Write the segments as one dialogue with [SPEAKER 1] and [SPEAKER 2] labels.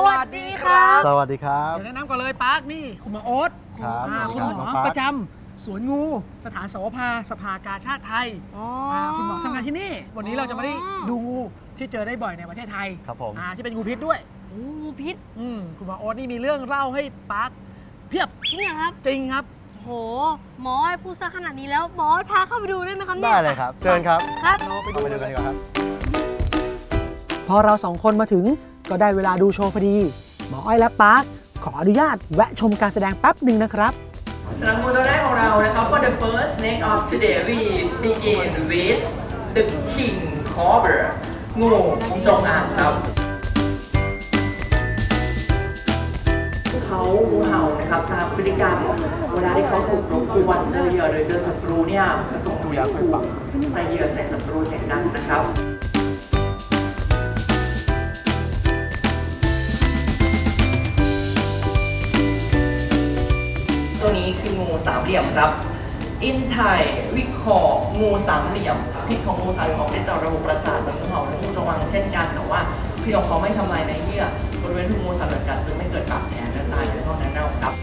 [SPEAKER 1] วัสดีครับ
[SPEAKER 2] สวัสดีครับ
[SPEAKER 1] เดี๋ยวแนะนำก่อนเลยปาร์คนี่คุณหมอโอ๊ต
[SPEAKER 2] ครับ
[SPEAKER 1] คุณหมอประจำสวนงูสถานสวภาสภากาชาติไทยคุณหมอทำงานที่นี่วันนี้เราจะมาได้ดูงูที่เจอได้บ่อยในประเทศไทย
[SPEAKER 2] ครับผม
[SPEAKER 1] ที่เป็นงูพิษด้วย
[SPEAKER 3] งูพิษ
[SPEAKER 1] คุณหมอโอ๊ตนี่มีเรื่องเล่าให้ปาร์คเพียบ
[SPEAKER 3] จริงเหรอครับ
[SPEAKER 1] จริงครับ
[SPEAKER 3] โหหมอให้พูดซะขนาดนี้แล้วหมอพาเข้าไปดูได้ไหมครับเนี่ย
[SPEAKER 2] ได้เลยครับ เชิญครับ
[SPEAKER 3] ครับ
[SPEAKER 1] เราไป
[SPEAKER 2] เอา
[SPEAKER 1] ดู
[SPEAKER 2] ไปดูกันดีกว่าครับ
[SPEAKER 1] พอเราสองคนมาถึงก็ได้เวลาดูโชว์พอดีหมออ้อยและปาร์คขออนุญาตแวะชมการแสดงแป๊บหนึ่งนะครับ
[SPEAKER 4] สำหรับงูตัวแรกของเรานะครับ for the first snake of today we begin with the king cobra งูจงอางครับเขางูเห่านะครับตามพฤติกรรมเวลาที่เขาถูกรบกวนเจอเหยื่อหรือเจอศัตรูเนี่ยจะส่งเสียงขู่ใส่เหยื่อใส่ศัตรูเสียงดังนะครับตัวนี้คืองูสามเหลี่ยมครับ In Thai we call งูสามเหลี่ยมพิษของงูสามเหลี่ยมเป็นต่อระบบประสาทเหมือนงูเห่าและงูจงอางเช่นกันแต่ว่าพิษของเขาไม่ทำลายในเยื่อบริเวณที่งูสามเหลี่ยมกัดจึงไม่เกิดบาดแผลเนื้อตายหรือท้องเน่าครับ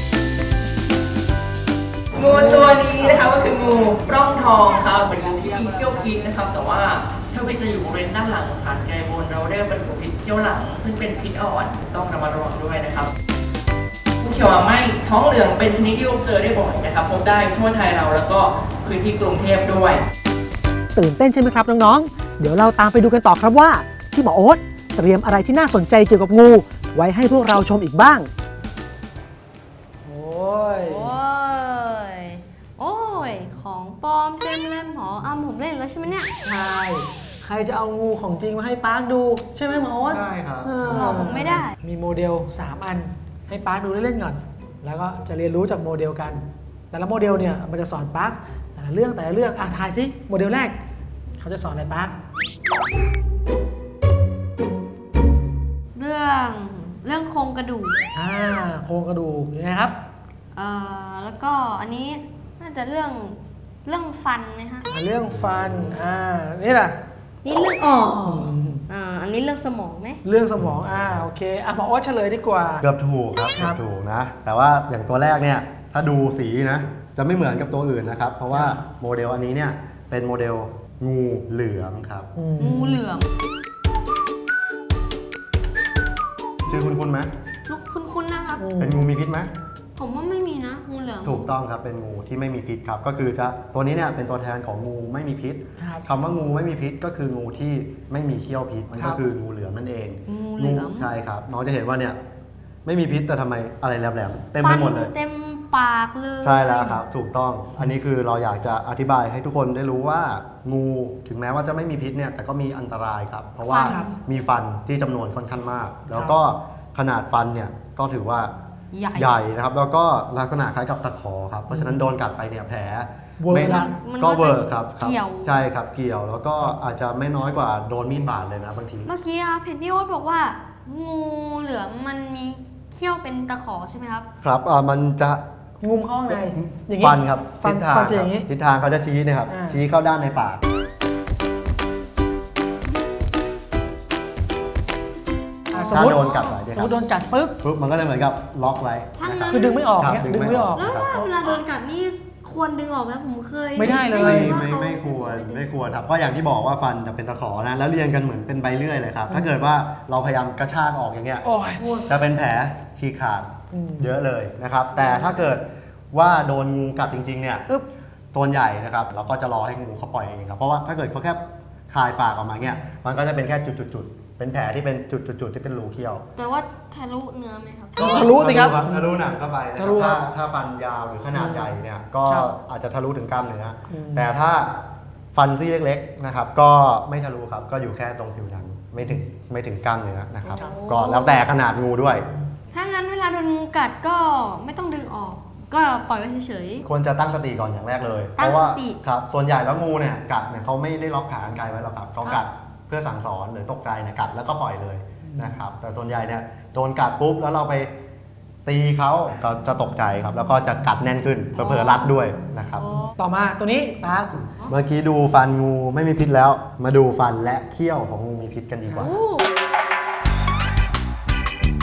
[SPEAKER 4] งูตัวนี้นะคะก็คืองูปล้องทองครับเป็นงูที่มีเขี้ยวพิษนะครับแต่ว่าถ้าไปจะอยู่บริเวณด้านหลังฐานไกบนเราเรียกเป็นงูพิษเขี้ยวหลังซึ่งเป็นพิษอ่อนต้องระมัดระวังด้วยนะครับงูเขียวหางไหมท้องเหลืองเป็นชนิดที่พบเจอได้บ่อยนะครับพบได้ทั่วไทยเราแล้วก็พื้นที่กรุงเทพด้วย
[SPEAKER 1] ตื่นเต้นใช่ไหมครับน้องๆ เดี๋ยวเราตามไปดูกันต่อครับว่าที่หมอโอ๊ตเตรียมอะไรที่น่าสนใจเกี่ยวกับงูไว้ให้พวกเราชมอีกบ้าง โอ้ย
[SPEAKER 3] โอ้ยโอ้ยของปลอมเต็มเลยหมอผมเล่นแล้วใช่ไหมเนี่ย
[SPEAKER 1] ใช่ ใครจะเอางูของจริงมาให้ปาร์คดูใช่ไหมหมอโอ๊ต
[SPEAKER 2] ใช่ครับ
[SPEAKER 3] หมอผมไม่ได้
[SPEAKER 1] มีโมเดล 3 อันให้ปาร์คดูเล่นๆก่อน แล้วก็จะเรียนรู้จากโมเดลกัน แต่ละโมเดลเนี่ยมันจะสอนปาร์คแต่ละเรื่องทายสิโมเดลแรกเขาจะสอนอะไรปาร์ค
[SPEAKER 3] เรื่องโครงกระดูก
[SPEAKER 1] โครงกระดูกยังไงครับ
[SPEAKER 3] แล้วก็อันนี้น่าจะเรื่องฟันไหมฮะ
[SPEAKER 1] เรื่องฟันนี่แหละ
[SPEAKER 3] นี่เรื่องอันนี้เรื่องสมองไหม
[SPEAKER 1] เรื่องสมองโอเคหมอโอ๊ตเฉลยดีกว่า
[SPEAKER 2] เกือบถูกครับ
[SPEAKER 1] ครั
[SPEAKER 2] เกือบ บถูกนะ แต่ว่าอย่างตัวแรกเนี่ย ถ้าดูสีนะ จะไม่เหมือนกับตัวอื่นนะครับ เพราะว่าโมเดลอันนี้เนี่ย เป็นโมเดลงูเหลือมครับ
[SPEAKER 3] งูเหลือม
[SPEAKER 2] ชื่อคุณไหม
[SPEAKER 3] ลูกคุ้นๆนะครับ
[SPEAKER 2] เป็นงูมีพิษไหม
[SPEAKER 3] ผมว่าไม่มีนะงูเหลือม
[SPEAKER 2] ถูกต้องครับ เป็นงูที่ไม่มีพิษครับ ก็คือตัวนี้เนี่ยเป็นตัวแทนของงูไม่มีพิษ
[SPEAKER 1] ครับ
[SPEAKER 2] คำว่างูไม่มีพิษก็คืองูที่ไม่มีเขี้ยวพิษ มัน
[SPEAKER 1] ครั
[SPEAKER 2] ก็
[SPEAKER 1] บ
[SPEAKER 2] คืองูเหลือมนั่นเอง
[SPEAKER 3] งูเหลือม
[SPEAKER 2] ใช่ครับ น้องจะเห็นว่าเนี่ยไม่มีพิษแต่ทำไมอะไรแหลมๆเต็มไปหมดเลย
[SPEAKER 3] ฟันเต็มปากเลย
[SPEAKER 2] ใช่แล้วครับ ถูกต้อง อันนี้คือเราอยากจะอธิบายให้ทุกคนได้รู้ว่างูถึงแม้ว่าจะไม่มีพิษเนี่ยแต่ก็มีอันตรายครับ เพราะว่ามีฟันที่จำนวนค่อนข้างมาก แล้วก็ขนาดฟันเนี่ยก็ถือว่า
[SPEAKER 3] ใหญ่
[SPEAKER 2] นะครับ แล้วก็ลักษณะคล้ายกับตะขอครับ เพราะฉะนั้นโดนกัดไปเนี่ยแผล
[SPEAKER 1] เวอร์
[SPEAKER 2] ไม่
[SPEAKER 1] ละ
[SPEAKER 3] มันก็
[SPEAKER 2] ก็เวอร์ครับ
[SPEAKER 3] เกี่ยว
[SPEAKER 2] ใช่ครับเกี่ยว แล้วก็อาจจะไม่น้อยกว่าโดนมีดบาดเลยนะบางที
[SPEAKER 3] เมื่อกี้เห็นพี่โอ๊ตบอกว่า งูเหลือมมันมีเขี้ยวเป็นตะขอใช่ไหมครับ
[SPEAKER 2] ครับมันจะ
[SPEAKER 1] งุมเข้าข้างในอย่างนี้
[SPEAKER 2] ฟันครับ
[SPEAKER 1] ฟัน
[SPEAKER 2] ทิศทาง
[SPEAKER 1] ฟันจะอย่างนี้
[SPEAKER 2] ทิศทางเขาจะชี้นะครับ ชี้เข้าด้านในปาก
[SPEAKER 1] สมมติ
[SPEAKER 2] ถ้าโดนกัดไว้เนี่ย
[SPEAKER 1] ส
[SPEAKER 2] ค
[SPEAKER 1] ม
[SPEAKER 2] รับ
[SPEAKER 1] มติโดนกัดปุ๊บ
[SPEAKER 2] ปุ๊บมันก็จะเหมือนกับล็อกไว้
[SPEAKER 3] ถ้างั้น
[SPEAKER 2] นะครับ
[SPEAKER 1] คือดึงไม่ออก
[SPEAKER 2] ครับ
[SPEAKER 1] เนี่ยดึงไม่ออก
[SPEAKER 3] แล้วว่าเวลาโดนกัดนี่ควรดึงออกไหมผมเคย
[SPEAKER 1] ไม่ได้เลย
[SPEAKER 2] ไม่ควรครับก็อย่างที่บอกว่าฟันจะเป็นตะขอนะแล้วเรียงกันเหมือนเป็นใบเลื่อยเลยครับถ้าเกิดว่าเราพยายามกระชากออกอย่างเงี้ย
[SPEAKER 1] โอ้ย
[SPEAKER 2] จะเป็นแผลฉีกขาด
[SPEAKER 1] อืม
[SPEAKER 2] เยอะเลยนะครับ แต่ถ้าเกิดว่าโดนงูกัดจริงๆเนี่ย
[SPEAKER 1] ปึ๊บ
[SPEAKER 2] ตัวใหญ่นะครับเราก็จะรอให้งูเขาปล่อยเองครับเพราะว่าถ้าเกิดเขาแค่คายปากออกมาเงี้ยมันก็จะเป็นแค่จุดๆๆเป็นแผลที่เป็นจุดๆๆที่เป็นรูเขี้ยว
[SPEAKER 3] แต่ว่าทะลุเนื้อไหมครับ
[SPEAKER 1] ทะลุสิครับ
[SPEAKER 2] ทะลุหนังเข้าไปนะค
[SPEAKER 1] ทะ
[SPEAKER 2] รั
[SPEAKER 1] ลุ
[SPEAKER 2] บ
[SPEAKER 1] ครับ
[SPEAKER 2] ถ้าฟันยาวหรือขนาดใหญ่เนี่ยก็
[SPEAKER 1] ครับ
[SPEAKER 2] อาจจะทะลุถึงกล้ามเนื้ออ
[SPEAKER 1] ม
[SPEAKER 2] แต่ถ้าฟันซี่เล็กๆนะครับก็ไม่ทะลุครับก็อยู่แค่ตรงผิวหนังไม่ถึงกล้ามเนื้อนะครับ
[SPEAKER 3] ครับ
[SPEAKER 2] ก็แล้วแต่ขนาดงูด้วย
[SPEAKER 3] ถ้างั้นเวลาโดนงูกัดก็ไม่ต้องดึงออก ก็ปล่อยไว้เฉย
[SPEAKER 2] ควรจะตั้งสติก่อนอย่างแรกเลย
[SPEAKER 3] ตั้ง
[SPEAKER 2] เพราะว่า
[SPEAKER 3] สติ
[SPEAKER 2] ครับส่วนใหญ่แล้วงูเนี่ยกัดเนี่ยเขาไม่ได้ล็อกขากรรไกรไว้หรอกครับเขา
[SPEAKER 3] ครั
[SPEAKER 2] กับ ดเพื่อสั่งสอนหรือตกใจเนี่ยกัดแล้วก็ปล่อยเลย
[SPEAKER 1] อืม
[SPEAKER 2] นะครับแต่ส่วนใหญ่เนี่ยโดนกัดปุ๊บแล้วเราไปตีเขาก็จะตกใจครับแล้วก็จะกัดแน่นขึ้นเผลอๆรัดด้วยนะครับ
[SPEAKER 3] ๆโอ้
[SPEAKER 1] ต่อมาตัวนี้ปาร์ค
[SPEAKER 2] เมื่อกี้ดูฟันงูไม่มีพิษแล้ว มาดูฟันและเขี้ยวของงูมีพิษกันดีกว่า
[SPEAKER 3] โอ้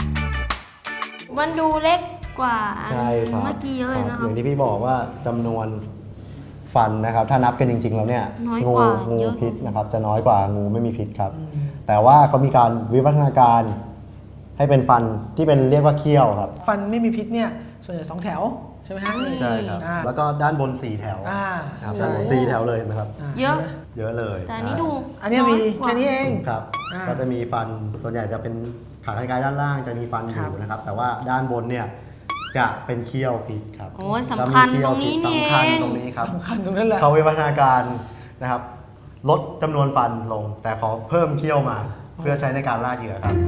[SPEAKER 3] มันดูเล็กกว่าอัน
[SPEAKER 2] ใช่ครับ
[SPEAKER 3] เมื่อกี้เยอะเลยนะค
[SPEAKER 2] อ
[SPEAKER 3] รับ
[SPEAKER 2] ย่างที่พี่บอกว่าจำนวนฟันนะครับ ถ้านับกันจริง ๆ แล้วเนี่ย
[SPEAKER 3] น้อย
[SPEAKER 2] งู
[SPEAKER 3] กว่า
[SPEAKER 2] งู
[SPEAKER 3] เยอะ
[SPEAKER 2] พิษนะครับ จะน้อยกว่างูไม่มีพิษครับ แต่ว่าเขามีการวิวัฒนาการให้เป็นฟันที่เป็นเรียกว่าเขี้ยวครับ
[SPEAKER 1] ฟันไม่มีพิษเนี่ยส่วนใหญ่2 แถวใช่ไหมฮะนี่
[SPEAKER 2] ใช่ครับ
[SPEAKER 1] อ่า
[SPEAKER 2] แล้วก็ด้านบน4 แถว
[SPEAKER 1] อ่า
[SPEAKER 2] ครับ
[SPEAKER 1] ใช่
[SPEAKER 2] ด้านบน4 แถวเลยนะครับ
[SPEAKER 1] า
[SPEAKER 3] เยอะ
[SPEAKER 2] เยอะเลย
[SPEAKER 3] แต่อันนี้ดู
[SPEAKER 1] อันเนี้ยมี
[SPEAKER 3] อยกว่า
[SPEAKER 1] แค่นี้เอง
[SPEAKER 2] ครับ
[SPEAKER 1] อ่า
[SPEAKER 2] ก็จะมีฟันส่วนใหญ่จะเป็นขาคล้ายๆด้านล่างจะมีฟันอ
[SPEAKER 1] ครับ
[SPEAKER 2] ยู่นะครับ แต่ว่าด้านบนเนี่ยจะเป็นเขี้ยวพิษครับ
[SPEAKER 3] โอ้ยสำคัญ
[SPEAKER 2] จะมีเขี้ยว
[SPEAKER 3] ตรงนี้
[SPEAKER 2] พิษ
[SPEAKER 3] นี่
[SPEAKER 2] สำคัญ
[SPEAKER 3] เอง
[SPEAKER 2] ตรงนี้ครับ
[SPEAKER 1] สำคัญตรงนั้นแหละ
[SPEAKER 2] เขาวิวัฒนาการนะครับ ลดจำนวนฟันลง แต่ขอเพิ่มเขี้ยวมา เพื่อใช้ในการล่าเหยื่อครับ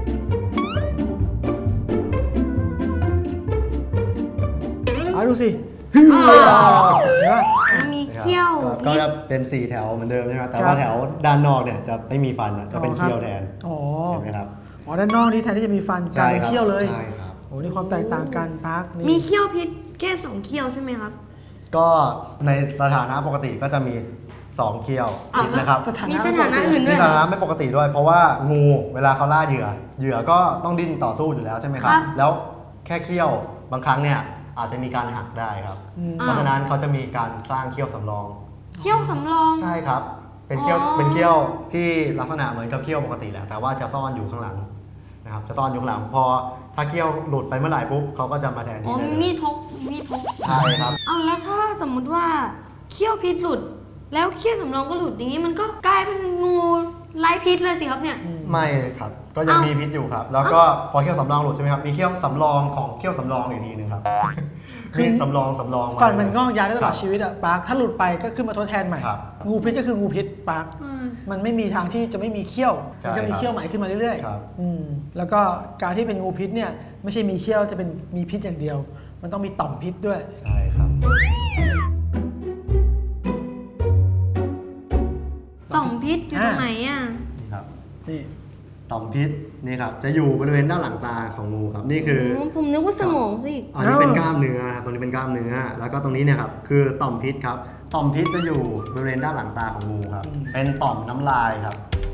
[SPEAKER 1] เอาดูสิ
[SPEAKER 3] อ่า
[SPEAKER 1] เห็นปะ
[SPEAKER 3] มันมีเขี้ยว
[SPEAKER 2] ก็
[SPEAKER 3] พิษ
[SPEAKER 2] จะเป็น 4 แถวเหมือนเดิมใช่ไหมครับแต่
[SPEAKER 1] ครั
[SPEAKER 2] ว่า
[SPEAKER 1] บ
[SPEAKER 2] แถวด้านนอกเนี่ยจะไม่มีฟันนะจะเป็นเขี้ยวแทน
[SPEAKER 1] อ๋อ
[SPEAKER 2] เห็นไหมครับ
[SPEAKER 1] อ๋อด้านนอกนี่แทนที่จะมีฟันกลายเป็นเขี้ยวเลย
[SPEAKER 2] ใช่ครับ
[SPEAKER 1] โอ้นี่ความแตกต่างกันปาร์คนี่
[SPEAKER 3] มีเขี้ยวพิษแค่2เขี้ยวใช่ไหมครับ
[SPEAKER 2] ก็ในสถานะปกติก็จะมี 2 เขี้ยว
[SPEAKER 3] อ้าว
[SPEAKER 2] นะครับ
[SPEAKER 1] สถานะ
[SPEAKER 3] มีสถานะอื่นด้
[SPEAKER 2] มี
[SPEAKER 3] วย
[SPEAKER 2] ส
[SPEAKER 3] เหร
[SPEAKER 2] ถา
[SPEAKER 3] อ
[SPEAKER 2] นะไม่ปกติด้วย เพราะว่างูเวลาเขาล่าเหยื่อ เหยื่อก็ต้องดิ้นต่อสู้อยู่แล้วใช่ไหมครับ
[SPEAKER 3] ครับ
[SPEAKER 2] แล้วแค่เขี้ยวบางครั้งเนี่ยอาจจะมีการหักได้ครับ
[SPEAKER 1] อืม
[SPEAKER 2] เพราะฉะนั้นเขาจะมีการสร้างเขี้ยวสำรอง
[SPEAKER 3] เขี้ยวสำรอง
[SPEAKER 2] ใช่ครับ เป็นเขี้ยว
[SPEAKER 3] อ๋อ
[SPEAKER 2] เป็นเขี้ยวที่ลักษณะเหมือนกับเขี้ยวปกติแหละ แต่ว่าจะซ่อนอยู่ข้างหลังนะครับ จะซ่อนอยู่ข้างหลัง พอถ้าเขี้ยวหลุดไปเมื่อไหร่ปุ๊บเขาก็จะมาแทน
[SPEAKER 3] อ๋
[SPEAKER 2] ที่
[SPEAKER 3] อ
[SPEAKER 2] ได้
[SPEAKER 3] มี
[SPEAKER 2] เลย
[SPEAKER 3] มีดพกมีดพก
[SPEAKER 2] ใช่ครับ
[SPEAKER 3] เอาแล้วถ้าสมมุติว่าเขี้ยวพิษหลุด แล้วเขี้ยวสำรองก็หลุดอย่างนี้มันก็กลายเป็นงูไร้พิษเลยสิครับเนี่ย
[SPEAKER 2] ไม่ครับ ก็ยัง
[SPEAKER 3] เอ้ามี
[SPEAKER 2] มีพิษอยู่ครับ แล้วก็พอเขี้ยวสำรองหลุดใช่ไหมครับ มีเขี้ยวสำรองของเขี้ยวสำรองอีกทีหนึงครับ
[SPEAKER 1] คือ
[SPEAKER 2] มีสำรองมา
[SPEAKER 1] ฟันมันงอกยาวได้ตลอด
[SPEAKER 2] ครับ
[SPEAKER 1] ชีวิตอะปาร์คถ้าหลุดไปก็ขึ้นมาทดแทนใหม่
[SPEAKER 2] ครับ
[SPEAKER 1] งูพิษก็คืองูพิษปาร์ค
[SPEAKER 3] อืม
[SPEAKER 1] มันไม่มีทางที่จะไม่มีเขี้ยว
[SPEAKER 2] ใช่
[SPEAKER 1] มันก็มี
[SPEAKER 2] ครับ
[SPEAKER 1] เขี้ยวใหม่ขึ้นมาเรื่อย
[SPEAKER 2] ครับ
[SPEAKER 1] ๆแล้วก็การที่เป็นงูพิษเนี่ยไม่ใช่มีเขี้ยวจะเป็นมีพิษอย่างเดียว มันต้องมีต่อมพิษด้วย
[SPEAKER 2] ใช่ครับ
[SPEAKER 3] ต่อมพิษอยู่ตรงไหนอ่ะ
[SPEAKER 2] นี่ครับ
[SPEAKER 1] นี่
[SPEAKER 2] ต่อมพิษนี่ครับ จะอยู่บริเวณด้านหลังตาของงูครับ นี่คือ
[SPEAKER 3] ผมนึกว่าสมองสิ
[SPEAKER 2] อันนี้เป็นกล้ามเนื้อครับตรงนี้เป็นกล้ามเนื้อ แล้วก็ตรงนี้เนี่ยครับคือต่อมพิษครับ ต่อมพิษจะอยู่บริเวณด้านหลังตาของงูครับ เป็นต่อมน้ำลายครับ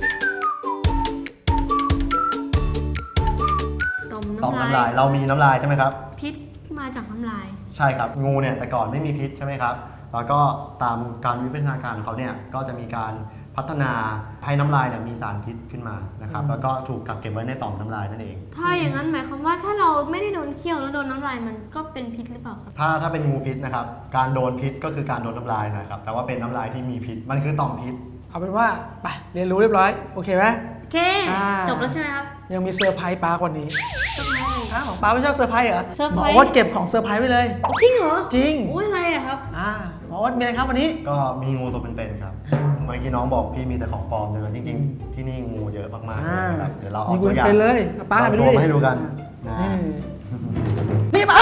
[SPEAKER 3] ต่อม
[SPEAKER 2] ต่อม
[SPEAKER 3] น้ำ
[SPEAKER 2] น้ำ
[SPEAKER 3] ลา
[SPEAKER 2] ลาย ย เรามีน้ำลายใช่ไหมครับ
[SPEAKER 3] พิษมาจากน้ำลาย
[SPEAKER 2] ใช่ครับ งูเนี่ยแต่ก่อนไม่มีพิษใช่ไหมครับ แล้วก็ตามการวิวัฒนาการของเขาเนี่ยก็จะมีการพัฒนาให้น้ำลายเนี่ยมีสารพิษขึ้นมานะครับ แล้วก็ถูกกักเก็บไว้ในต่อมน้ำลายนั่นเอง
[SPEAKER 3] ถ้าอย่างนั้นหมายความว่าถ้าเราไม่ได้โดนเคี่ยวแล้วโดนน้ำลายมันก็เป็นพิษหรือเปล่าครับ
[SPEAKER 2] ถ้าเป็นงูพิษนะครับ การโดนพิษก็คือการโดนน้ำลายนะครับ แต่ว่าเป็นน้ำลายที่มีพิษ มันคือต่อมพิษ
[SPEAKER 1] เอาเป็นว่าไปเรียนรู้เรียบร้อยโอเคไหม
[SPEAKER 3] โอเค
[SPEAKER 1] อ่า
[SPEAKER 3] จบแล้วใช่ไหมครับ
[SPEAKER 1] ยังมีเซอร์ไพรส์ปาร์ควันนี้
[SPEAKER 3] จบแล้ว
[SPEAKER 1] อ้าวปาร์คไม่ชอบเซอร์ไพรส์เหรอ
[SPEAKER 3] เซอร์
[SPEAKER 1] ห
[SPEAKER 3] ไพ
[SPEAKER 1] ม
[SPEAKER 3] ร
[SPEAKER 1] อ
[SPEAKER 3] ส์
[SPEAKER 1] โอ๊ตเก็บของเซอร์ไพรส์ไว้เลย
[SPEAKER 3] จริงเหรอ
[SPEAKER 1] จริง
[SPEAKER 3] โอ้ยอะไรอะครับ
[SPEAKER 1] หมอโอ๊ตมีอะไรครับวันนี้
[SPEAKER 2] ก็มีงูตัวเป็นๆครับ เมื่อกี้น้องบอกพี่มีแต่ของปลอมเลยจริงๆ ที่นี่งูเยอะมากๆเลยนะครับ เดี๋ยวเราเอา
[SPEAKER 1] มี
[SPEAKER 2] ตัวอย่าง
[SPEAKER 1] เป็นเลยเอาป้า
[SPEAKER 2] เรา
[SPEAKER 1] ไปดู
[SPEAKER 2] ตัว
[SPEAKER 1] ดิ
[SPEAKER 2] มาให้ดูกันนะ
[SPEAKER 1] นี่มา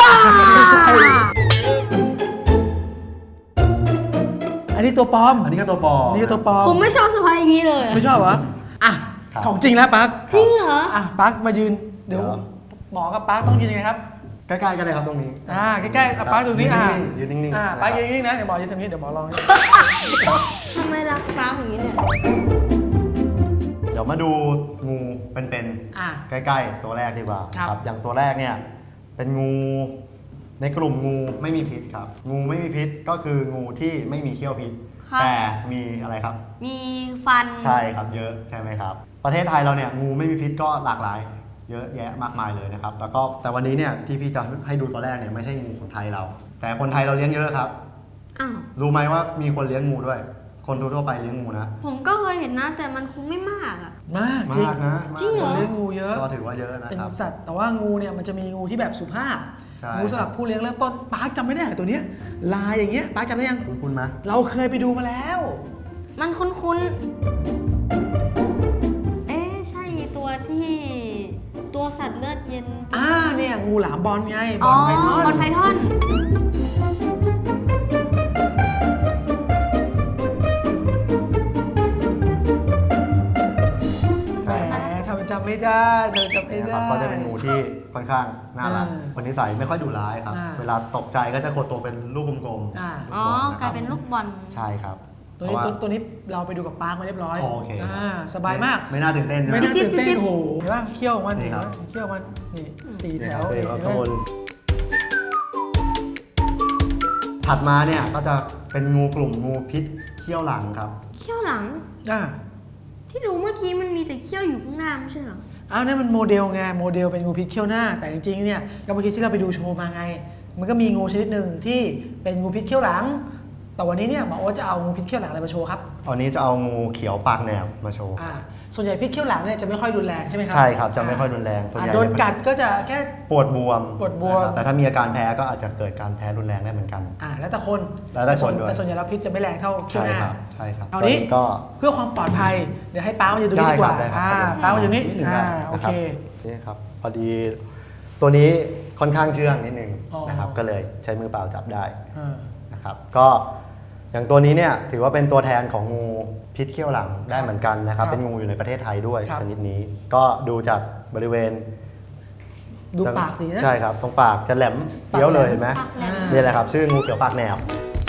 [SPEAKER 1] อันนี้ตัวปลอม
[SPEAKER 2] อันนี้ก็ตัวปลอม
[SPEAKER 1] อันนี้ก็ตัวปลอม
[SPEAKER 3] ผมไม่ชอบเซอร์ไพรส์อย่างนี้เลย
[SPEAKER 1] ไม่ชอบเหรออ่ะ
[SPEAKER 2] ครับ
[SPEAKER 1] ของจริงแล้วปาร์ค
[SPEAKER 3] จริงเหรอ
[SPEAKER 1] อ่ะปาร์คมายืนเดี๋ยว
[SPEAKER 2] เดี๋ยว
[SPEAKER 1] หมอกับปาร์คต้องยืนยังไงครับ
[SPEAKER 2] ใกล้ๆกันเลยครับตรงนี้
[SPEAKER 1] ใกล้ๆอ่ะปาร์คตรงนี้
[SPEAKER 2] ยืนนิ่งๆ
[SPEAKER 1] ปาร์คยืนนิ่งๆนะเดี๋ยวหมอยืนตรงนี้เดี๋ยวหมอลอง
[SPEAKER 3] ทำไมรักตามอย่างนี้เนี่ย
[SPEAKER 2] เดี๋ยวมาดูงูเป็น
[SPEAKER 1] อ่ะ
[SPEAKER 2] ๆใกล้ๆตัวแรกดีกว่า
[SPEAKER 1] ครับ
[SPEAKER 2] อย่างตัวแรกเนี่ยเป็นงูในกลุ่มงูไม่มีพิษครับ งูไม่มีพิษก็คืองูที่ไม่มีเขี้ยวพิษ
[SPEAKER 3] ครับ
[SPEAKER 2] แต่มีอะไรครับ
[SPEAKER 3] มีฟัน
[SPEAKER 2] ใช่ครับเยอะใช่ไหมครับ ประเทศไทยเราเนี่ยงูไม่มีพิษก็หลากหลาย เยอะแยะมากมายเลยนะครับ แล้วก็แต่วันนี้เนี่ยที่พี่จะให้ดูตัวแรกเนี่ยไม่ใช่งูของไทยเรา แต่คนไทยเราเลี้ยงเยอะครับ
[SPEAKER 3] อ้าว
[SPEAKER 2] รู้ไหมว่ามีคนเลี้ยงงูด้วย คนทั่วๆไปเลี้ยงงูนะ
[SPEAKER 3] ผมก็เคยเห็นนะแต่มันคงไม่มากอ่ะ
[SPEAKER 1] มากจริง
[SPEAKER 2] มากนะ
[SPEAKER 3] จริงเหร
[SPEAKER 1] ค
[SPEAKER 3] อ
[SPEAKER 1] นเลี้ยงงูเยอะ
[SPEAKER 2] ก็ถือว่าเยอะนะ
[SPEAKER 1] เป็น
[SPEAKER 2] ครับ
[SPEAKER 1] สัตว์แต่ว่างูเนี่ยมันจะมีงูที่แบบสุภาพ
[SPEAKER 2] ใช่
[SPEAKER 1] งูสำหรับผู้เลี้ยงเริ่มต้นปาร์คจำไม่ได้เหรอตัวเนี้ยลายอย่างเงี้ยปาร์คจำได้ยัง
[SPEAKER 2] คุณไหม
[SPEAKER 1] เราเคยไปดูมาแล้ว
[SPEAKER 3] มันคุ้นๆ เอ๊ะใช่ตัวที่ตัวสัตว์เลือดเย็น
[SPEAKER 1] เนี่ยงูหลามบอลไงบ
[SPEAKER 3] อ๋
[SPEAKER 1] อ
[SPEAKER 3] อ
[SPEAKER 1] ลไพทอน
[SPEAKER 3] บอลไพทอน
[SPEAKER 1] แหมทำเป็นจำไม่ได้เธอจำไม่
[SPEAKER 2] นะค
[SPEAKER 1] ได้
[SPEAKER 2] รับก็จะเป็นงูที่ค่อนข้างน่ารัก
[SPEAKER 1] อ่า
[SPEAKER 2] คนนิสัยไม่ค่อยดุร้ายครับ
[SPEAKER 1] อ่า
[SPEAKER 2] เวลาตกใจก็จะขดตัวเป็นลูกกลม
[SPEAKER 1] อ่า
[SPEAKER 2] ๆ
[SPEAKER 3] อ๋อ
[SPEAKER 2] ลูกบลนะครับ
[SPEAKER 3] กลายเป็นลูกบอล
[SPEAKER 2] ใช่ครับ
[SPEAKER 1] ตัวนี้เราไปดูกับปาร์คมาเรียบร้อย
[SPEAKER 2] โอเค
[SPEAKER 1] สบายมาก
[SPEAKER 2] ไม่น่าตื่นเต้นใช่ไหม
[SPEAKER 1] ไม่น่าตื่นเต้น
[SPEAKER 3] จิ๊บ
[SPEAKER 1] โอ้โหเห็นป่ะเขี้ยวของมัน
[SPEAKER 2] นี่
[SPEAKER 1] เห็น
[SPEAKER 2] ครั
[SPEAKER 1] ป่ะ
[SPEAKER 2] บ
[SPEAKER 1] เขี้ยวมันนี่4 แถ
[SPEAKER 2] นี่คว รับ
[SPEAKER 1] เห็น
[SPEAKER 2] ข้าง
[SPEAKER 1] ไหม
[SPEAKER 2] บนถัดมาเนี่ยก็จะเป็นงูกลุ่มงูพิษเขี้ยวหลังครับ
[SPEAKER 3] เขี้ยวหลัง
[SPEAKER 1] อ่า
[SPEAKER 3] ที่ดูเมื่อกี้มันมีแต่เขี้ยวอยู่ข้างหน้าไม่ใช่เหรอ
[SPEAKER 1] อ้าวนั่นมันโมเดลไงโมเดลเป็นงูพิษเขี้ยวหน้าแต่จริงๆเนี่ยก็เมื่อกี้ที่เราไปดูโชว์มาไง มันก็มีงูชนิดหนึ่งที่เป็นงูพิษเขี้ยวหลัง แต่วันนี้เนี่ยหมอโอ๊ตจะเอางูพิษเขี้ยวหลังอะไรมาโชว์ครับ
[SPEAKER 2] อันนี้จะเอางูเขียวปากแหนบมาโชว์
[SPEAKER 1] ส่วนใหญ่พิษเขี้ยวหลังเนี่ยจะไม่ค่อยรุนแรงใช่ไหมครั
[SPEAKER 2] ใช่ครับจะไม่ค่อยรุนแรงส่วนใหญ่
[SPEAKER 1] โดนกัดก็จะแค่
[SPEAKER 2] ปวดบวม
[SPEAKER 1] ปวดบวม
[SPEAKER 2] นะครับแต่ถ้ามีอาการแพ้ก็อาจจะเกิดการแพ้รุนแรงได้เหมือนกัน
[SPEAKER 1] แล้วแต่คน
[SPEAKER 2] แล้วแต่คนด้วย
[SPEAKER 1] แต่ส่วนใหญ่แล้วพิษจะไม่แรงเท่าเขี้ยว
[SPEAKER 2] ใช่
[SPEAKER 1] หน้า
[SPEAKER 2] ครับใช่ครับ
[SPEAKER 1] เอานี้
[SPEAKER 2] ตก็
[SPEAKER 1] เพื่อความปลอดภัยเดี๋ยวให้ป้ามาอยู่ตรงนี้ดีกว่า
[SPEAKER 2] ได้ครับ
[SPEAKER 1] ป้ามาอยู่นี้
[SPEAKER 2] นิดหนึ่ง
[SPEAKER 1] โอ
[SPEAKER 2] นะค
[SPEAKER 1] เครับ
[SPEAKER 2] นี่ครับพอดีตัวนี้ค่อนข้างเชื่องนิดนึง
[SPEAKER 1] อ๋อ
[SPEAKER 2] นะครับก็เลยใช้มือเปล่าจับได้
[SPEAKER 1] อ่า
[SPEAKER 2] นะครับก็อย่างตัวนี้เนี่ยถือว่าเป็นตัวแทนของงูพิษเขี้ยวหลังได้เหมือนกันนะครับ
[SPEAKER 1] ครับ
[SPEAKER 2] เป็นงูอยู่ในประเทศไทยด้วย
[SPEAKER 1] ครับ
[SPEAKER 2] ชนิดนี้ ก็ดูจากบริเวณ
[SPEAKER 1] ดูปากสินะ
[SPEAKER 2] ใช่ครับตรงปากจะแหลมเฟี้ยวเลยเห็นไหม
[SPEAKER 3] ปากแหลม
[SPEAKER 2] นี่แหละครับชื่องูเขียวปากแหนบ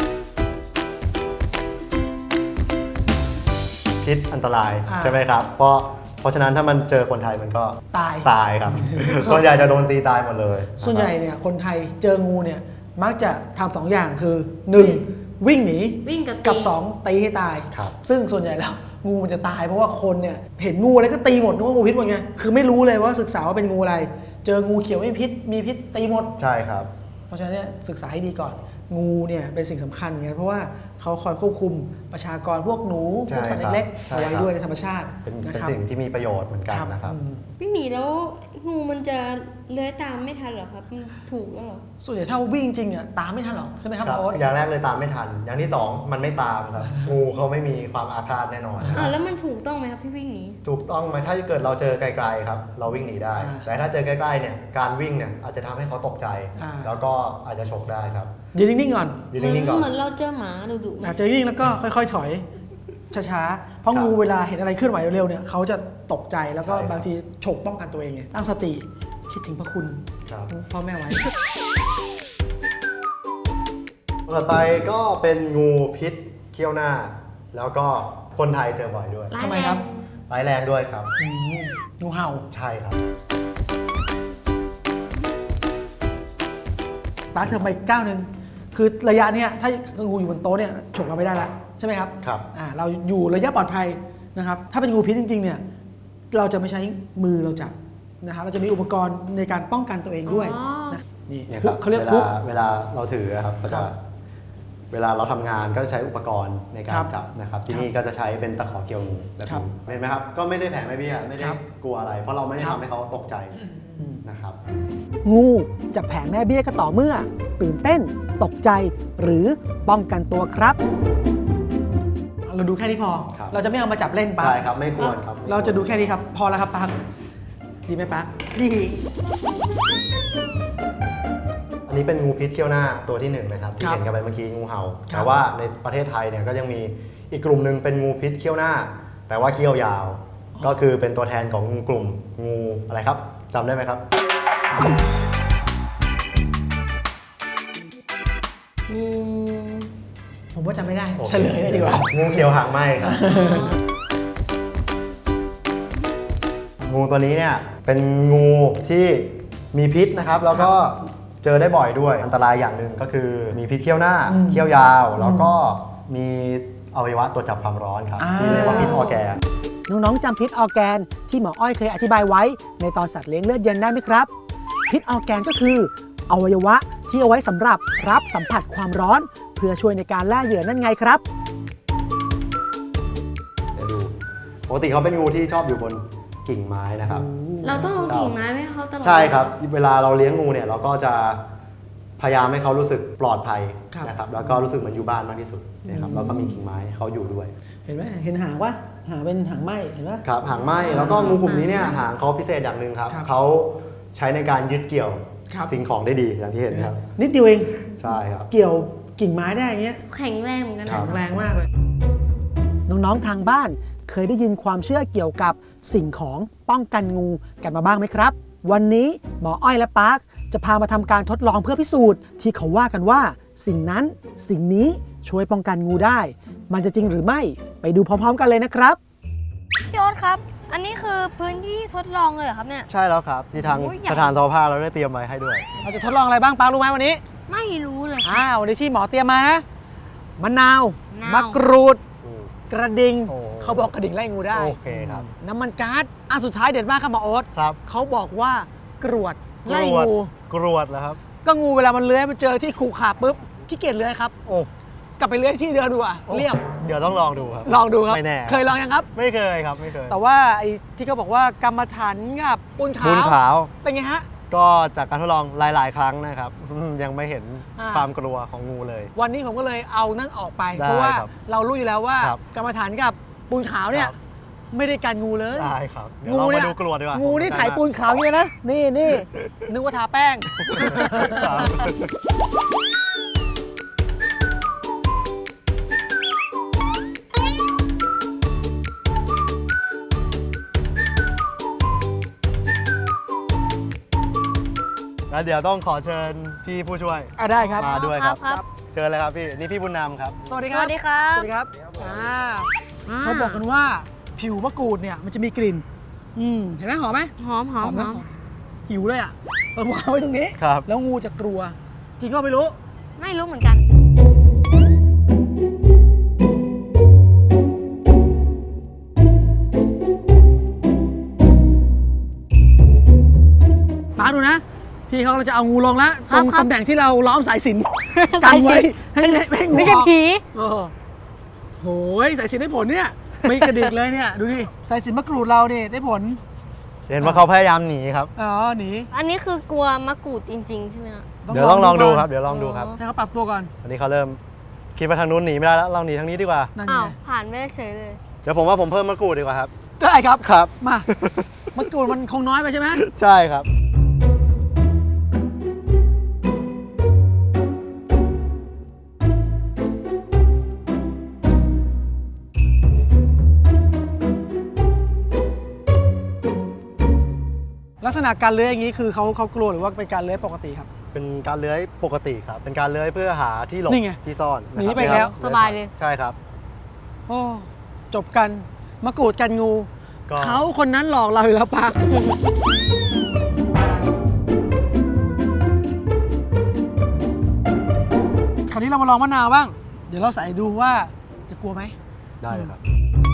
[SPEAKER 2] พิษอันตรายใช่ไหมครับเพราะฉะนั้นถ้ามันเจอคนไทยมันก็
[SPEAKER 1] ตาย
[SPEAKER 2] ตายครับ ส่วนใหญ่จะโดนตีตายหมดเลย
[SPEAKER 1] ส่วนใหญ่
[SPEAKER 2] นะครับ
[SPEAKER 1] เนี่ยคนไทยเจองูเนี่ยมักจะทำ2 อย่างคือ 1. วิ่งหนี
[SPEAKER 3] วิ่งกับ
[SPEAKER 1] กับ
[SPEAKER 3] ตี
[SPEAKER 1] 2 ตีให้ตาย
[SPEAKER 2] ครับ
[SPEAKER 1] ซึ่งส่วนใหญ่แล้วงูมันจะตายเพราะว่าคนเนี่ยเห็นงูอะไรก็ตีหมดนึกว่างูพิษหมดไงคือไม่รู้เลยว่าศึกษาว่าเป็นงูอะไร เจองูเขียวไม่พิษมีพิษตีหมด
[SPEAKER 2] ใช่ครับ
[SPEAKER 1] เพราะฉะนั้นเนี่ยศึกษาให้ดีก่อน งูเนี่ยเป็นสิ่งสำคัญเหมือนกันเพราะว่าเขาคอยควบคุมประชากรพวกหนูพวกสัตว์เล็กๆ
[SPEAKER 2] ใช่
[SPEAKER 1] เอาไว้
[SPEAKER 2] ครับ
[SPEAKER 1] ด้วยในธรรมชาติ
[SPEAKER 2] เป็น
[SPEAKER 1] นะครับ
[SPEAKER 2] สิ่งที่มีประโยชน์เหมือนกันนะครับ
[SPEAKER 3] พี่หมีแล้วงูมันจะเลื้อยตามไม่ทันเหรอครับมันถูกแล้วเหรอ
[SPEAKER 1] ส่วนใหญ่ถ้าวิ่งจริงอ่ะตามไม่ทันหรอกใช่ไหมครับ
[SPEAKER 2] ครับ
[SPEAKER 1] โอ๊ต
[SPEAKER 2] อย่างแรกเลยตามไม่ทัน อย่างที่สองมันไม่ตามครับ งูเขาไม่มีความอาฆาตแน่นอนนะครับ
[SPEAKER 3] แล้วมันถูกต้องไหมครับที่วิ่งหนี
[SPEAKER 2] ถูกต้องไหมถ้าเกิดเราเจอไกลๆครับ เราวิ่งหนีได้
[SPEAKER 1] อ่า
[SPEAKER 2] แต่ถ้าเจอใกล้ๆเนี่ยการวิ่งเนี่ยอาจจะทำให้เขาตกใจ
[SPEAKER 1] อ่า
[SPEAKER 2] แล้วก็อาจจะฉกได้ครับ
[SPEAKER 1] ยืนนิ่งๆก่อน
[SPEAKER 2] ยืนนิ่งๆก่อน
[SPEAKER 3] เหมือนเราเจอหมาดุๆไหม
[SPEAKER 1] เจอนิ่งแล้วก็ค่อยๆถอยช้าๆเพราะ
[SPEAKER 2] ครับ
[SPEAKER 1] งูเวลาเห็นอะไรเคลื่อนไหวเร็วๆเนี่ยเขาจะตกใจแล้วก็
[SPEAKER 2] ใช่ครับ
[SPEAKER 1] บางทีฉกป้องกันตัวเองไงตั้งสติคิดถึงพระคุณ
[SPEAKER 2] ครับ
[SPEAKER 1] พ่อแม่ไว้
[SPEAKER 2] ต่อไปก็เป็นงูพิษเขี้ยวหน้า แล้วก็คนไทยเจอบ่อยด้วย
[SPEAKER 1] ทำไมครับ
[SPEAKER 2] ร้ายแรงด้วยครับ
[SPEAKER 1] งูเห่า
[SPEAKER 2] ใช่ครับ
[SPEAKER 1] ป้าเธอไปก้าวหนึ่งคือระยะเนี้ยถ้างูอยู่บนโต๊ะเนี่ยฉกเราไม่ได้ละใช่ไหมครับ
[SPEAKER 2] ครับ
[SPEAKER 1] เราอยู่ระยะปลอดภัยนะครับถ้าเป็นงูพิษจริงๆเนี่ยเราจะไม่ใช้มือเราจับนะครับเราจะมีอุปกรณ์ในการป้องกันตัวเองด้วยนะนี่
[SPEAKER 2] เนี่ย
[SPEAKER 1] ฮุ
[SPEAKER 2] ครั
[SPEAKER 1] ก
[SPEAKER 2] บ
[SPEAKER 1] เขาเรียก
[SPEAKER 2] เว
[SPEAKER 1] ฮุ
[SPEAKER 2] ลาก เวลาเราถือครับก็
[SPEAKER 1] ครั
[SPEAKER 2] จะ
[SPEAKER 1] บ
[SPEAKER 2] เวลาเราทำงานก็จะใช้อุปกรณ์ในกา
[SPEAKER 1] ครั
[SPEAKER 2] ร
[SPEAKER 1] บ
[SPEAKER 2] จับนะครับ ที่
[SPEAKER 1] ครับ
[SPEAKER 2] นี่ก็จะใช้เป็นตะขอเกี่ยวงูแบบ
[SPEAKER 1] ครับ
[SPEAKER 2] นี้เห็นไหมครับ ก็ไม่ได้แผลไม่เบี้ยไม่ได้
[SPEAKER 1] ครับ
[SPEAKER 2] กลัวอะไร เพราะเราไม่ได้
[SPEAKER 1] ครับ
[SPEAKER 2] ทำให้เขาตกใจนะครับ
[SPEAKER 1] งูจะแผ่แม่เบี้ยก็ต่อเมื่อ ตื่นเต้น ตกใจ หรือป้องกันตัวครับ เราดูแค่นี้พอ
[SPEAKER 2] ครับ
[SPEAKER 1] เราจะไม่เอามาจับเล่นปะ
[SPEAKER 2] ใช่ครับไม่ควรครับ
[SPEAKER 1] เราจะดูแค่นี้ครับ พอแล้วครับปักดีไหมปักดี
[SPEAKER 2] อันนี้เป็นงูพิษเขี้ยวหน้าตัวที่1นะครับที่เห็นกันไปเมื่อกี้งูเห่า แต่ว่าในประเทศไทยเนี่ยก็ยังมีอีกกลุ่มหนึ่งเป็นงูพิษเขี้ยวหน้า แต่ว่าเขี้ยวยาว ก็คือเป็นตัวแทนของงูกลุ่มงูอะไรครับจำได้ไหมครับ
[SPEAKER 1] ผมว่าจำไม่ได้
[SPEAKER 2] โอค
[SPEAKER 1] เฉลยเลยดีกว่า
[SPEAKER 2] งูเขียวหางไหมครับ งูตัวนี้เนี่ยเป็นงูที่มีพิษนะครับ แล้วก็เจอได้บ่อยด้วย อันตรายอย่างหนึ่งก็คือมีพิษเขี้ยวหน้า
[SPEAKER 1] อืม
[SPEAKER 2] เขี้ยวยาว แล้วก็มีอวัยวะตรวจจับความร้อนครับ ที่เรียกว่าพิษออร์แกน
[SPEAKER 1] น้องๆจำพิษออร์แกนที่หมออ้อยเคยอธิบายไว้ในตอนสัตว์เลี้ยงเลือดเย็นได้ไหมครับ พิษออร์แกนก็คืออวัยวะที่เอาไว้สำหรับรับสัมผัสความร้อน เพื่อช่วยในการล่าเหยื่อนั่นไงครับ
[SPEAKER 2] เดี๋ยวดูปกติเขาเป็นงูที่ชอบอยู่บนกิ่งไม้นะครับ
[SPEAKER 3] เราต้องเอากิ่งไม้ไว้ให้เขาตลอด
[SPEAKER 2] ใช่ครับ เวลาเราเลี้ยงงูเนี่ยเราก็จะพยายามให้เขารู้สึกปลอดภัย
[SPEAKER 1] ครับ
[SPEAKER 2] นะครับ แล้วก็รู้สึกเหมือนอยู่บ้านมากที่สุดนะครับ แล้วก็มีกิ่งไม้ให้เขาอยู่ด้วย
[SPEAKER 1] เห็นไหมเห็นหางวะหางเป็นหางไหมเห็นไหม
[SPEAKER 2] ครับหางไหม้แล้วก็งูกลุ่มนี้เนี่ยหางเขาพิเศษอย่างหนึ่งครับ
[SPEAKER 1] ครับ
[SPEAKER 2] เขาใช้ในการยึดเกี่ยว
[SPEAKER 1] ครับ
[SPEAKER 2] สิ่งของได้ดีอย่างที่เห็นครับ
[SPEAKER 1] นิดเดียวเอง
[SPEAKER 2] ใช่ครับ
[SPEAKER 1] เกี่ยวกิ่งไม้ได้อย่างเงี้ย
[SPEAKER 3] แข็งแรงเหมือนกัน
[SPEAKER 2] ครั
[SPEAKER 3] นะ
[SPEAKER 2] บ
[SPEAKER 1] แข็งแรงมากเลย น้องๆทางบ้านเคยได้ยินความเชื่อเกี่ยวกับสิ่งของป้องกันงูกันมาบ้างไหมครับ วันนี้หมออ้อยและปาร์คจะพามาทำการทดลองเพื่อพิสูจน์ที่เขาว่ากันว่า สิ่งนั้นสิ่งนี้ช่วยป้องกันงูได้มันจะจริงหรือไม่ไปดูพร้อมๆกันเลยนะครับ
[SPEAKER 3] พี่โอ๊ตครับ อันนี้คือพื้นที่ทดลองเลยเหรอครับเนี่ย
[SPEAKER 2] ใช่แล้วครับ ที่ทาง
[SPEAKER 3] โอ้ยใหญ่
[SPEAKER 2] สถานทอผ้าเราได้เตรียมไว้ให้ด้วย
[SPEAKER 1] เราจะทดลองอะไรบ้างปารู้ไหมวันนี้
[SPEAKER 3] ไม่รู้เลยครับ
[SPEAKER 1] วันนี้ที่หมอเตรียมมานะมะนาว
[SPEAKER 3] มะนาว
[SPEAKER 1] มะกรูด
[SPEAKER 2] อืม
[SPEAKER 1] กระดิ่ง
[SPEAKER 2] โอ้
[SPEAKER 1] เขาบอกกระดิ่งไล่งูได้
[SPEAKER 2] โอเคครับ
[SPEAKER 1] น้ำมันก๊าซสุดท้ายเด็ดมากครับหมอโอ๊ต
[SPEAKER 2] ครับ
[SPEAKER 1] เขาบอกว่ากรวดไล่
[SPEAKER 2] กรวด
[SPEAKER 1] งู
[SPEAKER 2] กรวดแล้วครับ
[SPEAKER 1] ก็งูเวลามันเลื้อยมันเจอที่ขู่ขาปุ๊บขี้เกียจเลื้อยครับ
[SPEAKER 2] โอ้
[SPEAKER 1] กลับไปเลื้อยที่เดิมดูอ่ะ
[SPEAKER 2] โอ้
[SPEAKER 1] เรียบ
[SPEAKER 2] เดี๋ยวต้องลองดูครับ
[SPEAKER 1] ลองดูครับ
[SPEAKER 2] ไม่แน่
[SPEAKER 1] เคยลองยังครับ
[SPEAKER 2] ไม่เคยครับไม่เคย
[SPEAKER 1] แต่ว่าไอ้ที่เขาบอกว่ากรรมฐานกับปูนขา
[SPEAKER 2] บุญ
[SPEAKER 1] ว
[SPEAKER 2] ขาว
[SPEAKER 1] เป็นไงฮะ
[SPEAKER 2] ก็จากการทดลองหลาย ๆ ครั้งนะครับ ยังไม่เห็น
[SPEAKER 1] อ่า
[SPEAKER 2] ความกลัวของงูเลย
[SPEAKER 1] วันนี้ผมก็เลยเอานั่นออกไป
[SPEAKER 2] ได้
[SPEAKER 1] เพราะว่า
[SPEAKER 2] ครับ
[SPEAKER 1] เรารู้อยู่แล้วว่า
[SPEAKER 2] ครับ
[SPEAKER 1] กรรมฐานกับปูนขาวเนี่ย
[SPEAKER 2] ครับ
[SPEAKER 1] ไม่ได้กันงูเลย
[SPEAKER 2] ได้ครับ เดี๋ยวเรามาดูกรวดดีกว่า
[SPEAKER 1] งูนี่
[SPEAKER 2] ผม
[SPEAKER 1] ถ่ายปูนขาวอย่างนี้นะ นี่นึกว่าทาแป้ง
[SPEAKER 2] ครับ แล้วเดี๋ยวต้องขอเชิญพี่ผู้ช่วย
[SPEAKER 1] ได้ครับ
[SPEAKER 2] มาด้วยครับ
[SPEAKER 3] ครับ
[SPEAKER 2] เชิญเลยครับพี่ นี่พี่บุญนำครับ
[SPEAKER 1] สวัสดี
[SPEAKER 3] ส
[SPEAKER 1] ครับ
[SPEAKER 3] วัสดีครับ
[SPEAKER 1] สวัสดีครับเขาบอกกันว่าผิวมะกรูดเนี่ยมันจะมีกลิ่น เห็นไหมหอมไหม
[SPEAKER 3] หอมหอมห
[SPEAKER 1] นะ
[SPEAKER 3] อม
[SPEAKER 1] หิวเลยอ่ะเอาวางไว้ตรงนี้
[SPEAKER 2] ครับ
[SPEAKER 1] แล้วงูจะกลัว จริงก็ไม่รู้
[SPEAKER 3] ไม่รู้เหมือนกัน
[SPEAKER 1] มาดูนะ พี่เขาจะเอางูลงแล้ว
[SPEAKER 3] ครั
[SPEAKER 1] ต
[SPEAKER 3] บ
[SPEAKER 1] รง
[SPEAKER 3] ครับ
[SPEAKER 1] ตำแหน่งที่เราล้อมสายสิญจนกันไว้ให้ให้งู
[SPEAKER 3] ไม่ใช่
[SPEAKER 1] ออก
[SPEAKER 3] ผี
[SPEAKER 1] เออโหยสายสิญจนได้ผลเนี่ยไม่กระดิกเลยเนี่ยดูดิสายสิญจนมะกรูดเราเนี่ยได้ผล
[SPEAKER 2] เห็นว่าเขาพยายามหนีครับ
[SPEAKER 1] อ๋อหนี
[SPEAKER 3] อันนี้คือกลัวมะกรูดจริง ๆ ใช่ไหมครับ
[SPEAKER 2] เดี๋ยวต้องลองดูครับ เดี๋ยวลองดูครับ
[SPEAKER 1] ให้เขาปรับตัวก่อน
[SPEAKER 2] อันนี้เขาเริ่มคิดว่าทางนู้นหนีไม่ได้แล้ว เราหนีทางนี้ดีกว่า
[SPEAKER 1] นั่น
[SPEAKER 3] อ้า
[SPEAKER 1] ไง
[SPEAKER 3] ว ผ่านไม่ได้เฉยเลย
[SPEAKER 2] เดี๋ยวผมว่าผมเพิ่มมะกรูดดีกว่าครับ
[SPEAKER 1] ได้ครับ
[SPEAKER 2] ครับ
[SPEAKER 1] มามะกรูดมันคงน้อยไปใช่ไหม
[SPEAKER 2] ใช่ครับ
[SPEAKER 1] ลักษณะการเลื้อยอย่างนี้คือเขากลัวหรือว่าเป็นการเลื้อยปกติครับ
[SPEAKER 2] เป็นการเลื้อยปกติครับ เป็นการเลื้อยเพื่อหาที่หลบ
[SPEAKER 1] นี่ไง
[SPEAKER 2] ที่ซ่อนะครับ
[SPEAKER 1] หนีไปแล้ว
[SPEAKER 3] สบายเลย
[SPEAKER 2] ใช่ครับ
[SPEAKER 1] โอ้จบกันมะกรูดกันงู
[SPEAKER 2] ก็
[SPEAKER 1] เขาคนนั้นหลอกเราอยู่แล้วปะคราวนี้เรามาลองมะนาวบ้าง เดี๋ยวเราใส่ดูว่าจะกลัวไหม
[SPEAKER 2] ได้เลยครับ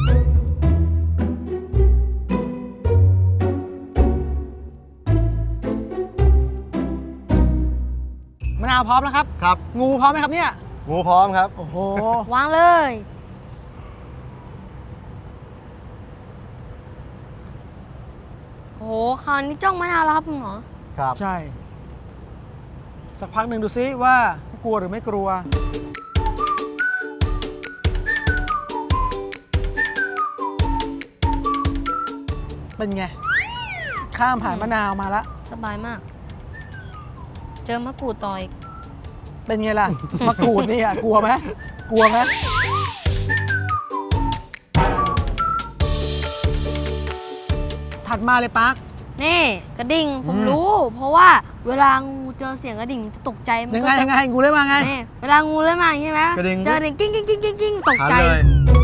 [SPEAKER 1] มะนาวพร้อมแล้วครับ
[SPEAKER 2] ครับ
[SPEAKER 1] งูพร้อมไหมครับเนี่ย
[SPEAKER 2] งูพร้อมครับ
[SPEAKER 1] โอ้โห
[SPEAKER 3] วางเลย โอ้โห คราวนี้จ้องมะนาวแล้วครับคุณหมอ
[SPEAKER 2] ครับ
[SPEAKER 1] ใช่ สักพักหนึ่งดูซิว่ากลัวหรือไม่กลัว เป็นไง ข้ามผ่านมะนาวมาแล้ว
[SPEAKER 3] สบายมาก เจอมะกรูดต่ออีก
[SPEAKER 1] เป็นไงล่ะ มะกรูดนี่อ่ะกลัวไหมกลัวไหมถัดมาเลยปัก
[SPEAKER 3] นี่กระดิ่งผมรู้ เพราะว่าเวลางูเจอเสียงกระดิ่งมันจะตกใจมัน
[SPEAKER 1] ยัง
[SPEAKER 3] ก็
[SPEAKER 1] ไง
[SPEAKER 3] จะ
[SPEAKER 1] ยังไงงูได้มาไง
[SPEAKER 3] นี่เวลางูเริ่มมาใช่ไหม
[SPEAKER 2] กระดิ่ง
[SPEAKER 3] เจอกระดิ่งกิ้งกิ้งกิ้งกิ้งกิ้งตก
[SPEAKER 2] หัน
[SPEAKER 3] ใจ
[SPEAKER 2] เลย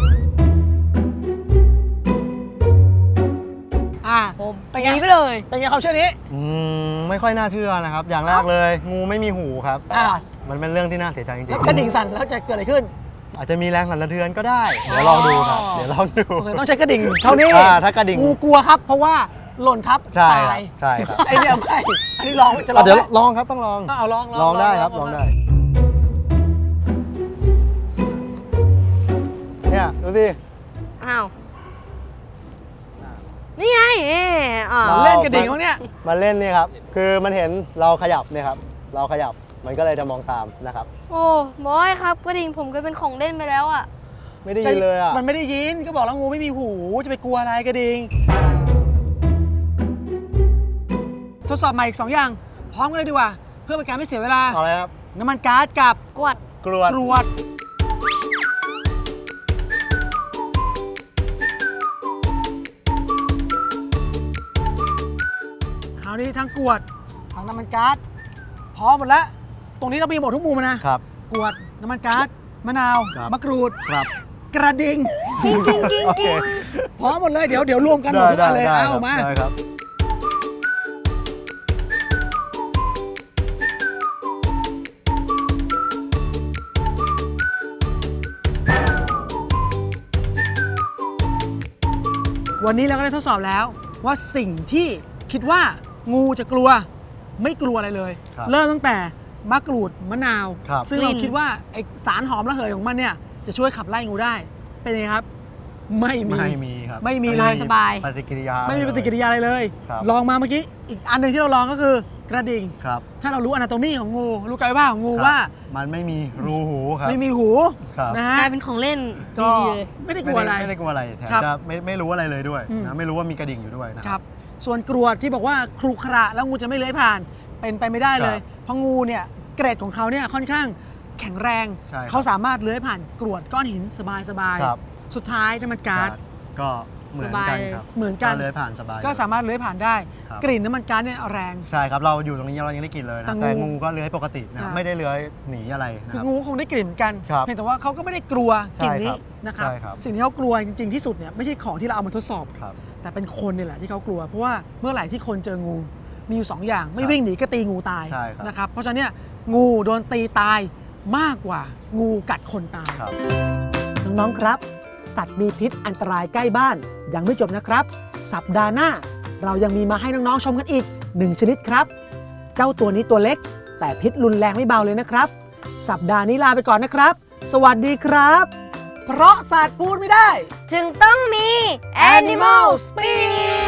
[SPEAKER 1] อ่ะ
[SPEAKER 3] ผม
[SPEAKER 1] เป็น
[SPEAKER 3] ห
[SPEAKER 1] ไง
[SPEAKER 3] นีไปเลย
[SPEAKER 1] เป็นไงความเชื่อนี้
[SPEAKER 2] ไม่ค่อยน่าเชื่อนะครับ อย่างแรกเลย งูไม่มีหูครับ
[SPEAKER 1] อ่า
[SPEAKER 2] มันเป็นเรื่องที่น่าเสียใจจริ
[SPEAKER 1] แล้ว
[SPEAKER 2] ง
[SPEAKER 1] กระดิ่งสั่นแล้วจะเกิดอะไรขึ้น
[SPEAKER 2] ๆอาจจะมีแรงสั่นสะเทือนก็ได้ เดี๋ยวลองดูครับ เดี๋ยวลองดู
[SPEAKER 1] สงสัยต้องใช้กระดิ่งเท่านี้
[SPEAKER 2] ถ้ากระดิ่ง
[SPEAKER 1] งูกลัวครับ เพราะว่าหล่นทับ
[SPEAKER 2] ใช่
[SPEAKER 1] ตา
[SPEAKER 2] ครับ
[SPEAKER 1] ย
[SPEAKER 2] ใช่ครับ
[SPEAKER 1] ไอเนี่ยไม่อันนี้ลองจะลอง
[SPEAKER 2] เดี๋ยว
[SPEAKER 1] ไหม
[SPEAKER 2] ลองครับต้องลอง
[SPEAKER 1] เอาลอง
[SPEAKER 2] ลองได้ครับลองได้ เนี่ยดูสิ
[SPEAKER 3] อ้าว นี่ไงอ่า
[SPEAKER 2] เรา
[SPEAKER 1] เล่นกระดิ่งเขาเนี่ย
[SPEAKER 2] มาเล่นเนี่ยครับ คือมันเห็นเราขยับเนี่ยครับ เราขยับมันก็เลยจะมองตามนะครับ
[SPEAKER 3] โอ้บอยครับกระดิ่งผมก็เป็นของเล่นไปแล้วอ่ะ
[SPEAKER 2] ไม่ได้ยินเลยอ่ะ
[SPEAKER 1] มันไม่ได้ยินก็บอกแล้วงูไม่มีหูจะไปกลัวอะไรกระดิ่งทดสอบใหม่อีก 2 อย่าง พร้อมกันเลยดีกว่า เพื่อเป็นการไม่เสียเวลา
[SPEAKER 2] เอาอะไรครับ
[SPEAKER 1] น้ำมันก๊าซกับ
[SPEAKER 3] กวด
[SPEAKER 2] กรวด
[SPEAKER 1] กรวดคราวนี้ทั้งกรวดทั้งน้ำมันก๊าซพร้อมหมดแล้ว ตรงนี้เรามีหมดทุกมุมนะครับ กรวดน้ำมันก๊าซมะนาว
[SPEAKER 2] ครับ
[SPEAKER 1] มะกรูด
[SPEAKER 2] ครับ
[SPEAKER 1] กระดิ่ง
[SPEAKER 3] กิ้งกิ้งกิ้ง
[SPEAKER 2] โอเค
[SPEAKER 3] กิ้ง
[SPEAKER 1] พร้อมหมดเลยเดี๋ยวรวมกันหมดทุกอันเลย
[SPEAKER 2] ได้
[SPEAKER 1] เอามา
[SPEAKER 2] ได้ครับ
[SPEAKER 1] วันนี้เราก็ได้ทดสอบแล้วว่าสิ่งที่คิดว่างูจะกลัวไม่กลัวอะไรเลย
[SPEAKER 2] ครับ
[SPEAKER 1] เริ่มตั้งแต่มะกรูดมะนาว
[SPEAKER 2] ครับ
[SPEAKER 1] ซึ่งเราคิดว่าไอสารหอมระเหยของมันเนี่ยจะช่วยขับไล่งูได้เป็นยังไงครับ ไม่มี
[SPEAKER 2] ไม่มีครับ
[SPEAKER 1] ไม่มีเลย
[SPEAKER 3] สบาย
[SPEAKER 2] ปฏิกิริยา
[SPEAKER 1] ไม่มีปฏิกิริยาอะไรเลย
[SPEAKER 2] ครับ
[SPEAKER 1] ลองมาเมื่อกี้อีกอันหนึ่งที่เราลองก็คือกระดิ่ง
[SPEAKER 2] ครับ
[SPEAKER 1] ถ้าเรารู้อนาโตมีของงูรู้กายว่าของงู
[SPEAKER 2] ครับ
[SPEAKER 1] ว่า
[SPEAKER 2] มันไม่มีรูหูครับ
[SPEAKER 1] ไม่มีหู
[SPEAKER 2] ครับ
[SPEAKER 1] นะฮะ
[SPEAKER 3] กลายเป็นของเล่น
[SPEAKER 1] ก็
[SPEAKER 3] ดีๆเลย
[SPEAKER 1] ไม่ได้กลัวอะไร
[SPEAKER 2] ไม่ได้กลัวอะไรแถม
[SPEAKER 1] ครับ
[SPEAKER 2] จะไม่รู้อะไรเลยด้วย
[SPEAKER 1] อืม
[SPEAKER 2] นะไม่รู้ว่ามีกระดิ่งอยู่ด้วยนะ
[SPEAKER 1] ค
[SPEAKER 2] ค
[SPEAKER 1] รั
[SPEAKER 2] รับ
[SPEAKER 1] บส่วนกรวดที่บอกว่าครุขระแล้วงูจะไม่เลื้อยผ่านเป็นไปไม่ได้เลย
[SPEAKER 2] ครับ
[SPEAKER 1] เพราะงูเนี่ยเกรดของเขาเนี่ยค่อนข้างแข็งแรง
[SPEAKER 2] ใช่ครับ
[SPEAKER 1] เขาสามารถเลื้อยผ่านกรวดก้อนหินสบาย
[SPEAKER 2] ครับ
[SPEAKER 1] ๆสุดท้ายน้ำมันก๊าซ
[SPEAKER 2] ก็เหมือนกันครับ
[SPEAKER 1] เหมือนกัน
[SPEAKER 2] เลื้อยผ่านสบาย
[SPEAKER 1] ก็สามารถเลื้อยผ่านได้
[SPEAKER 2] ครับ
[SPEAKER 1] กลิ่นน้ำมันก๊าซเนี่ยแรง
[SPEAKER 2] ใช่ครับเราอยู่ตรงนี้เรายังได้กลิ่นเลย
[SPEAKER 1] แต่
[SPEAKER 2] นะ
[SPEAKER 1] งู
[SPEAKER 2] แต่งูก็เลื้อยปกตินะ
[SPEAKER 1] อ่า
[SPEAKER 2] ไม่ได้เลื้อยหนีอะไรนะ
[SPEAKER 1] คือ
[SPEAKER 2] ครับ
[SPEAKER 1] งูคงได้กลิ่นเหมือนกัน
[SPEAKER 2] ครับ
[SPEAKER 1] เพียงแต่ว่าเขาก็ไม่ได้กลัวกลิ่นนี้
[SPEAKER 2] ใช่ครับ
[SPEAKER 1] นะครับ
[SPEAKER 2] ใช่ครับ
[SPEAKER 1] สิ่งที่เขากลัวจริงๆที่สุดเนี่ยไม่ใช่ของที่เราเอามาทดสอบ
[SPEAKER 2] ครับ
[SPEAKER 1] แต่เป็นคนนี่แหละที่เขากลัว เพราะว่าเมื่อไหร่ที่คนเจองูมีอยู่ 2 อย่าง ไม่
[SPEAKER 2] ครับ
[SPEAKER 1] วิ่งหนีก็ตีงูตาย
[SPEAKER 2] ใช่ครับ
[SPEAKER 1] นะครับเพราะฉะนั้นเนี่ยงูโดนตีตายมากกว่างูกัดคนตาย
[SPEAKER 2] ครับ
[SPEAKER 1] น้องๆครับ สัตว์มีพิษอันตรายใกล้บ้านยังไม่จบนะครับ สัปดาห์หน้าเรายังมีมาให้น้องๆชมกันอีก 1 ชนิดครับ เจ้าตัวนี้ตัวเล็ก แต่พิษรุนแรงไม่เบาเลยนะครับ สัปดาห์นี้ลาไปก่อนนะครับ สวัสดีครับ เพราะสัตว์พูดไม่ได้
[SPEAKER 3] จึงต้องมี
[SPEAKER 1] Animal Speak